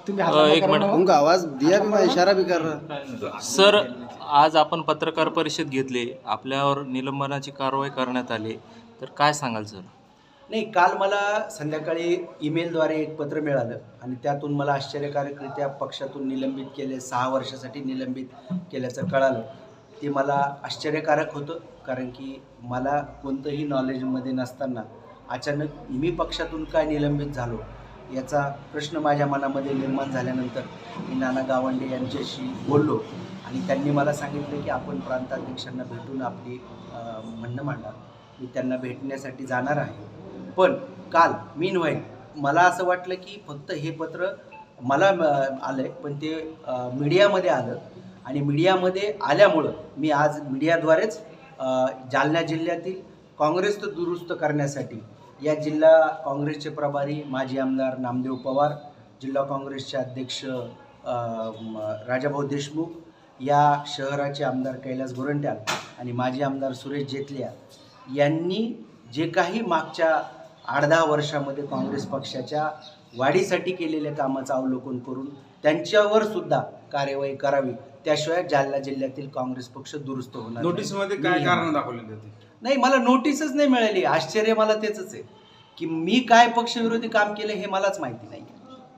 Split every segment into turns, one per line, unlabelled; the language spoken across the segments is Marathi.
एक मिनट
उनका आवाज दिया भी, मैं इशारा भी कर रहा।
सर, आज आपण पत्रकार परिषद घेतली, आपल्यावर निलंबनाची कारवाई करण्यात आली, तर काय सांगाल सर?
नाही, काल मला संध्याकाळी ईमेलद्वारे एक पत्र मिळालं आणि त्यातून मला आश्चर्यकारकरित्या पक्षातून निलंबित केले, 6 वर्षासाठी निलंबित केल्याचं कळालं. ते मला आश्चर्यकारक होतं, कारण की मला कोणतंही नॉलेजमध्ये नसताना अचानक मी पक्षातून काय निलंबित झालो याचा प्रश्न माझ्या मनामध्ये निर्माण झाल्यानंतर मी नाना गावंडे यांच्याशी बोललो आणि त्यांनी मला सांगितलं की आपण प्रांताध्यक्षांना भेटून आपली म्हणणं मांडा. मी त्यांना भेटण्यासाठी जाणार आहे. पण काल मला असं वाटलं की फक्त हे पत्र मला आलं आहे, पण ते मीडियामध्ये आलं आणि मीडियामध्ये आल्यामुळं मी आज मीडियाद्वारेच जालना जिल्ह्यातील काँग्रेस दुरुस्त करण्यासाठी या जिल्हा काँग्रेसचे प्रभारी माजी आमदार नामदेव पवार, जिल्हा काँग्रेसचे अध्यक्ष राजाभाऊ देशमुख, या शहराचे आमदार कैलास गोरंट्याल आणि माजी आमदार सुरेश जेतलिया यांनी जे काही मागच्या 8-10 वर्षामध्ये काँग्रेस पक्षाच्या वाढीसाठी केलेल्या कामाचं अवलोकन करून त्यांच्यावर सुद्धा कार्यवाही करावी, त्याशिवाय जालना जिल्ह्यातील काँग्रेस पक्ष दुरुस्त होणार.
नोटीसमध्ये काय कारण दाखवलेली होती?
नाही, मला नोटीसच नाही मिळाली. आश्चर्य मला तेच आहे की मी काय पक्षविरोधी काम केलं हे मलाच माहिती नाही.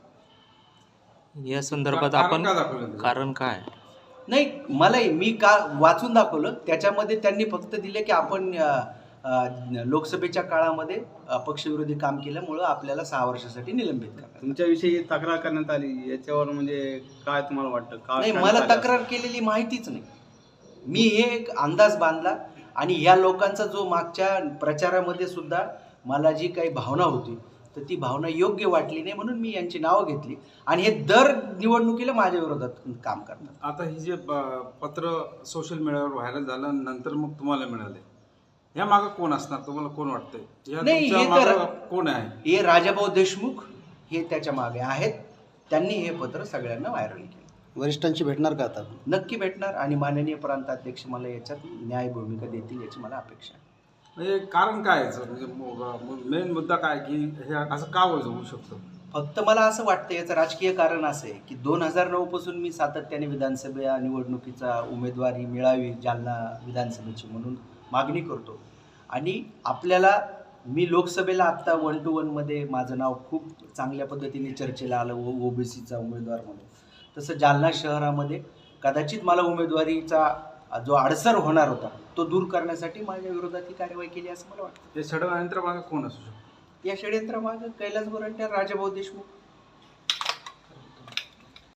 या संदर्भात आपण कारण काय?
नाही, मी का वाचून दाखवलं, त्याच्यामध्ये त्यांनी फक्त दिले की आपण लोकसभेच्या काळामध्ये पक्षविरोधी काम केल्यामुळं आपल्याला 6 वर्षासाठी निलंबित करा.
तुमच्याविषयी तक्रार करण्यात आली, याच्यावर म्हणजे काय तुम्हाला वाटतं?
नाही, मला तक्रार केलेली माहितीच नाही. मी हे एक अंदाज बांधला आणि या लोकांचा जो मागच्या प्रचारामध्ये सुद्धा मला जी काही भावना होती तर ती भावना योग्य वाटली नाही, म्हणून मी यांची नावं घेतली आणि हे दर निवडणुकीला माझ्या विरोधात काम करतात.
आता हे जे पत्र सोशल मीडियावर व्हायरल झालं नंतर मग तुम्हाला मिळाले, या मागं कोण असणार, तुम्हाला कोण वाटतंय?
नाही, हे तर
कोण आहे?
हे राजाभाऊ देशमुख हे त्याच्या मागे आहेत. त्यांनी हे पत्र सगळ्यांना व्हायरल केलं.
वरिष्ठांशी भेटणार का आता?
नक्की भेटणार आणि माननीय प्रांताध्यक्ष मला याच्यात न्याय भूमिका देतील याची मला अपेक्षा आहे.
म्हणजे कारण काय आहे म्हणजे मेन मुद्दा काय की हे असं का होऊ शकतं?
फक्त मला असं वाटतं याचं राजकीय कारण असं आहे की 2009 पासून मी सातत्याने विधानसभा निवडणुकीचा उमेदवारी मिळावी जालना विधानसभेची म्हणून मागणी करतो आणि मी लोकसभेला आत्ता 1 to 1 मध्ये माझं नाव खूप चांगल्या पद्धतीने चर्चेला आलं ओबीसीचा उमेदवार म्हणून. तसं जालना शहरामध्ये कदाचित मला उमेदवारीचा जो अडसर होणार होता तो दूर करण्यासाठी माझ्या विरोधात ही कारवाई केली असं मला वाटतं.
हे षडयंत्र मागे कोण असू शकतं?
या षडयंत्रामागे कैलास गोरंट्याल, राजाभाऊ देशमुख